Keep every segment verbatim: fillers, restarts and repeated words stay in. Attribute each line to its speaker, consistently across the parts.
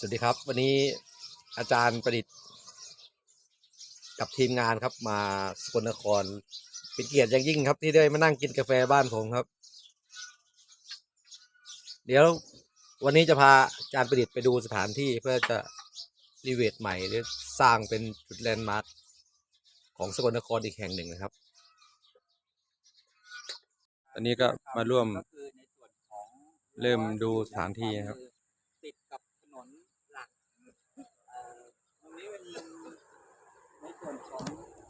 Speaker 1: สวัสดีครับวันนี้อาจารย์ประดิษฐ์กับทีมงานครับมาสกลนครเป็นเกียรติอย่างยิ่งครับที่ได้มานั่งกินกาแฟบ้านผมครับเดี๋ยววันนี้จะพาอาจารย์ประดิษฐ์ไปดูสถานที่เพื่อจะรีโนเวทใหม่หรือสร้างเป็นจุดแลนด์มาร์คของสกลนครอีกแห่งหนึ่งนะครับอันนี้ก็มาร่วมเริ่มดูสถานที่นะครับ
Speaker 2: ติดกับถนนหลักตรงนี้เป็นในส่วนของ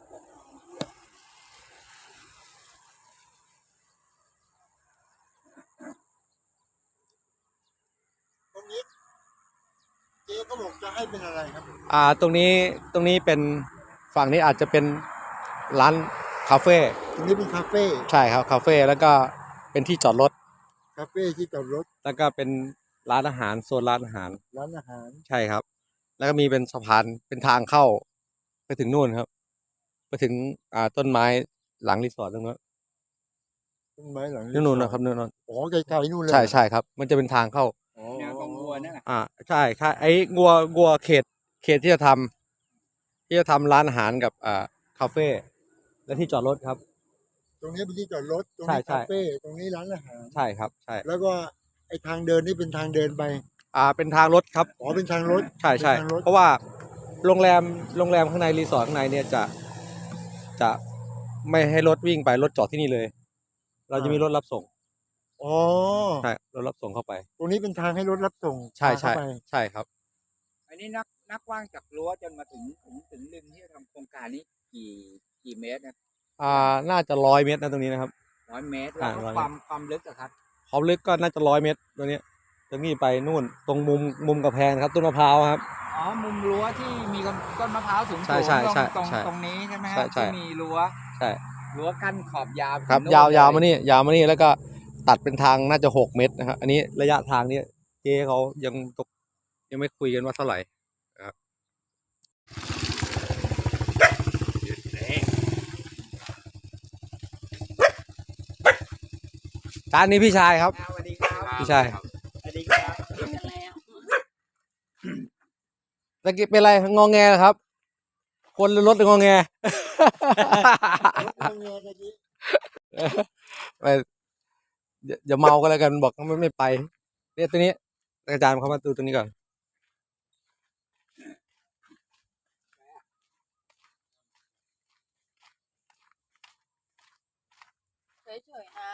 Speaker 2: ตรงนี้เจ๊ก็บอกจะให้เป็นอะไรครับ
Speaker 1: อ่าตรงนี้ตรงนี้เป็นฝั่งนี้อาจจะเป็นร้านคาเฟ่
Speaker 2: ตรงนี้เป็นคาเฟ่
Speaker 1: ใช่ครับคาเฟ่แล้วก็เป็นที่จอดรถ
Speaker 2: คาเฟ่ที่จอดรถ
Speaker 1: แล้วก็เป็นร้านอาหารโซนร้านอาหาร
Speaker 2: ร้านอาหาร
Speaker 1: ใช่ครับแล้วก็มีเป็นสะพานเป็นทางเข้าไปถึงนู่นครับไปถึงอ่าต้นไม้หลังรีสอร์ทตรงนั้น
Speaker 2: ต้นไม้หลัง
Speaker 1: นู่นนะครับนู่น
Speaker 2: อ๋อไกลๆนู่นเลย
Speaker 1: ใช่ใช่ครับมันจะเป็นทางเข้า
Speaker 2: แนวของวัวนั่นแหละ
Speaker 1: อ่าใช่ค่ะไอ้งัวงัวเขตเขตที่จะทำที่จะทำร้านอาหารกับอ่าคาเฟ่และที่จอดรถครับ
Speaker 2: ตรงนี้เป็นที่จอดรถตรงนี้
Speaker 1: ใช่ใช่
Speaker 2: คาเฟ่ตรงนี้ร้านอาหาร
Speaker 1: ใช่ครับใช่
Speaker 2: แล้วก็ไอ้ทางเดินนี่เป็นทางเดินไป
Speaker 1: อ่าเป็นทางรถครับ
Speaker 2: อ๋อเป็นทางรถ
Speaker 1: ใช่ใช่เพราะว่าโรงแรมโรงแรมข้างในรีสอร์ทข้างในเนี่ยจะจะไม่ให้รถวิ่งไปรถจอดที่นี่เลย เราจะมีรถรับส่ง
Speaker 2: อ๋อ
Speaker 1: ใช่รถรับส่งเข้าไป
Speaker 2: ตรงนี้เป็นทางให้รถรับส่ง
Speaker 1: ใช่ใช่
Speaker 2: เข้าไป
Speaker 1: ใช่ครับ
Speaker 2: อันนี้นักนักว่างจากรั้วจนมาถึงถึงถึงริมที่จะทำโครงการนี้กี่กี่เมตรนะ
Speaker 1: อ่าน่าจะร้อยเมตรนะตรงนี้นะครับ
Speaker 2: ร้อยเมตร
Speaker 1: อ่า
Speaker 2: แล้วก็
Speaker 1: ร้อย
Speaker 2: ความความลึกอะครับ
Speaker 1: ความลึกก็น่าจะร้อยเมตรตรงนี้ตรงนี้ไปนู่นตรงมุมมุมกระแพงครับต้นมะพร้าวครับ
Speaker 2: อ๋อมุมรั้วที่มีต้นมะพร้าวสูง
Speaker 1: ใช่
Speaker 2: สูง
Speaker 1: ใช่
Speaker 2: ตรง
Speaker 1: ใช่
Speaker 2: ตรง
Speaker 1: ใช่
Speaker 2: ตรงนี้ใช่ไหมฮะ
Speaker 1: ใช่ใช่
Speaker 2: ที่มีรั้ว
Speaker 1: ใช่
Speaker 2: รั้วกั้นขอบยาวไป
Speaker 1: ครับ
Speaker 2: ถึงโน่น
Speaker 1: ยาวยาว
Speaker 2: เล
Speaker 1: มานี่ยาวมานี่แล้วก็ตัดเป็นทางน่าจะหกเมตรนะครับอันนี้ระยะทางนี้เจ๊เขายังตกยังไม่คุยกันว่าเท่าไหร่นะครับจานนี้พี่ชายครับ
Speaker 2: สวัสดีครับ
Speaker 1: พี่ชาย
Speaker 2: สวัสดีครับ
Speaker 1: ตะกี้เป็นไรงอแงครับ คนหรือรถหรืองอแง ไปอย่าอย่าเมาก็แล้วกันบอกไม่ไม่ไปเนี่ยตัวนี้อาจารย์เขามาดูตัวนี้ก่อน
Speaker 3: เฉยๆนะ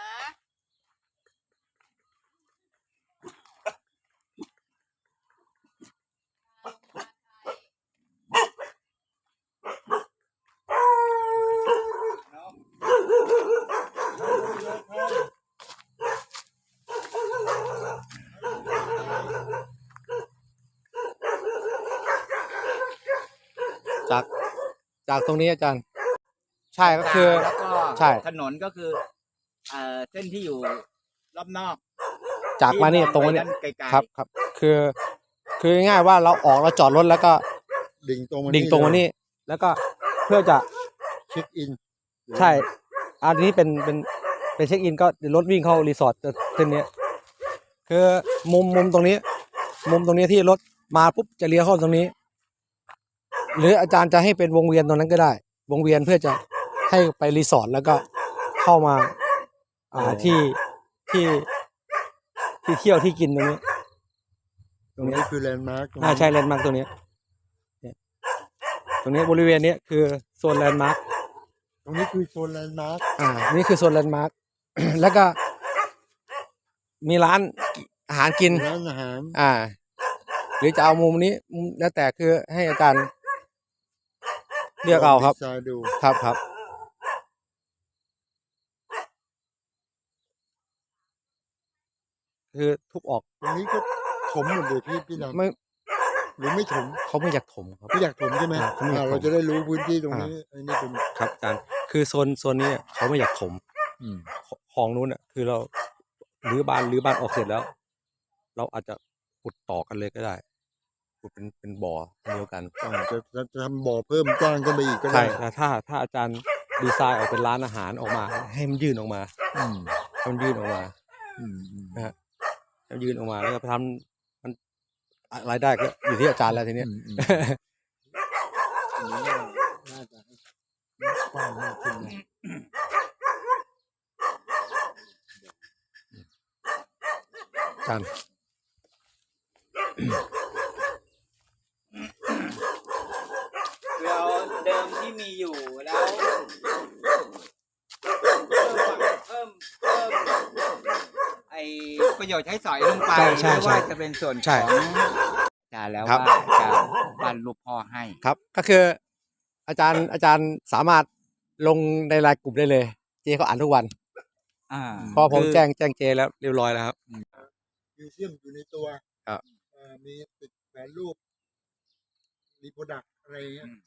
Speaker 1: จากจากตรงนี้อาจารย์ ใช่ก็คือ
Speaker 2: แล้วก็
Speaker 1: ใช่
Speaker 2: ถนนก็คือเอ่อเส้นที่อยู่รอบนอก
Speaker 1: จากมานี่
Speaker 2: ที่
Speaker 1: ตรง
Speaker 2: ไป
Speaker 1: นี้
Speaker 2: ด้าไกลๆ
Speaker 1: ครับครับคือ คือง่ายๆว่าเราออกเราจอดรถแล้วก็
Speaker 2: ดิ่งตรงมา
Speaker 1: ดิ่งตรงมานี่แล้วก็เพื่อจะ
Speaker 2: เช็คอิน
Speaker 1: ใช่อันนี้เป็นเป็นเป็นเช็คอินก็รถวิ่งเข้ารีสอร์ทเส้นนี้คือมุมมุมตรงนี้ มุมตรงนี้ที่รถมาปุ๊บจะเลี้ยวเข้าตรงนี้ หรืออาจารย์จะให้เป็นวงเวียนตรงนั้นก็ได้ วงเวียนเพื่อจะให้ไปรีสอร์ทแล้วก็เข้ามาอ่าที่ที่ที่เที่ยวที่กินตรงนี้
Speaker 2: ตรงนี้คือแลนด์มาร์ค
Speaker 1: อ่าใช่แลนด์มาร์คตรงนี้เนี่ยตรงนี้บริเวณนี้คือโซนแลนด์มาร์ค
Speaker 2: ตรงนี้คือโซนแลนด์มาร์ค
Speaker 1: อ่านี่คือโซนแลนด์มาร์ค แล้วก็มีร้านอาหารกิน
Speaker 2: ร้านอาหาร
Speaker 1: อ่า หรือจะเอามุมนี้มุมแล้วแต่คือให้อาจารย์เลือกเอาครับ
Speaker 2: ดีไซน์ดู
Speaker 1: ครับครับคือทุบออก
Speaker 2: ตรงนี้ก็ถมหมดเลยพี่พี่ดำ
Speaker 1: ไม่
Speaker 2: หรือไม่ถม
Speaker 1: เขาไม่อยากถมครับ
Speaker 2: ไม่อยากถมใช่ไหม
Speaker 1: อ่าเขาไม่อยาก
Speaker 2: อ่า
Speaker 1: ถม
Speaker 2: เราจะได้รู้พื้นที่ตรงนี้อันนี้เป็น
Speaker 1: ครับอาจารย์คือโซนโซนนี้เขาไม่อยากถม
Speaker 2: อืม
Speaker 1: ของนู้นอ่ะคือเรารื้อบ้านรื้อบ้านออกเสร็จแล้ว เราอาจจะขุดต่อกันเลยก็ได้ขุดเป็นเป็นบ่อเดียวกัน
Speaker 2: อ่าจะจะจะทำบ่อเพิ่มกว้างขึ้นไปอีกก็
Speaker 1: ใช่
Speaker 2: ได้
Speaker 1: แต่ถ้าถ้าอาจารย์ดีไซน์ออกเป็นร้านอาหารออกมา ให้มันยื่นออกมา
Speaker 2: อืม
Speaker 1: ให้มันยื่นออกมา
Speaker 2: อืมอืม
Speaker 1: นะฮะให้มันยื่นออกมาแล้วก็ทำมันรายได้ก็อยู่ที่อาจารย์แล้วทีเนี้ย
Speaker 2: อืมอืมอันนี้น่าน่าจะให้กว้างมากขึ้นนะ
Speaker 1: อาจารย์
Speaker 2: คือเอาเดิมที่มีอยู่แล้วเพิ่มเพิ่มไอประโยชน์ใช้สอยลงไป
Speaker 1: ใช่ใช่
Speaker 2: ไม่
Speaker 1: ใช่
Speaker 2: ว่าจะเป็นส่วน
Speaker 1: ใช่
Speaker 2: ของอาจารย์แล้ว
Speaker 1: ครั
Speaker 2: ว่า
Speaker 1: บ
Speaker 2: จะปั้นรูปพ่อให้
Speaker 1: ครับก็คืออาจารย์อาจารย์สามารถลงในรายกลุ่มได้เลย เจเขาอ่านทุกวัน
Speaker 2: อ่า
Speaker 1: เพราะผม
Speaker 2: คือ
Speaker 1: แจ้งแจ้งเจแล้วเรียบร้อยแล้วครับ
Speaker 4: มิวเซียมอยู่ในตัว
Speaker 1: ครับ
Speaker 4: เอ่อมีติดแผนรูป มีโปรดักอะไรเงี้ย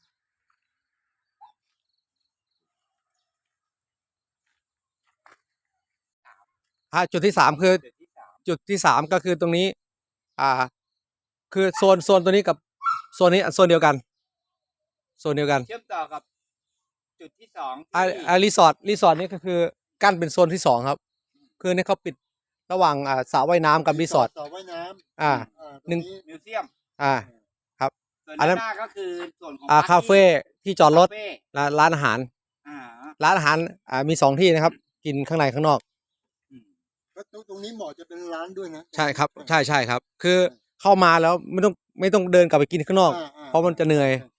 Speaker 1: อ่าจุดที่สามคือ
Speaker 2: จุดที่สาม
Speaker 1: จุดที่สามก็คือตรงนี้ อ่า คือโซนโซนตัวนี้กับโซนนี้โซนเดียวกันโซนเดียวกัน
Speaker 2: เชื่อมต่อกับจุดที่สอง
Speaker 1: อ่า
Speaker 2: ที่
Speaker 1: อ่ารีสอร์ทรีสอร์ทนี่ก็คือกั้นเป็นโซนที่สองครับ คือเนี่ยเขาปิดระหว่างอ่าสระว่ายน้ำกับรีสอร์ท
Speaker 4: สระว่ายน้ำ
Speaker 1: อ่า
Speaker 4: อ่าต
Speaker 1: หนึ่
Speaker 4: รง
Speaker 1: ง
Speaker 4: นี้
Speaker 2: มิวเซียม
Speaker 1: อ่า
Speaker 2: ส่วน
Speaker 1: อันนั้
Speaker 2: ด้าน นหน้าก็คือส่วนของ
Speaker 1: อ่า
Speaker 2: ปร์
Speaker 1: คาเฟ่ที่จอดรถ
Speaker 2: คาเฟ่
Speaker 1: ร้านร้านอาหาร
Speaker 2: อ่า
Speaker 1: ร้านอาหารอ่ามีสองที่นะครับ กินข้างในข้างนอก
Speaker 2: อืม
Speaker 4: แล้วตรงตรงนี้เหมาะจะเป็นร้านด้วยนะ
Speaker 1: ใช่ครับ ใช่ใช่ครับ คือเข้ามาแล้วไม่ต้องไม่ต้องเดินกลับไปกินข้างนอก
Speaker 4: อ่าอ่า
Speaker 1: เพราะมันจะเหนื่อย
Speaker 4: ใช่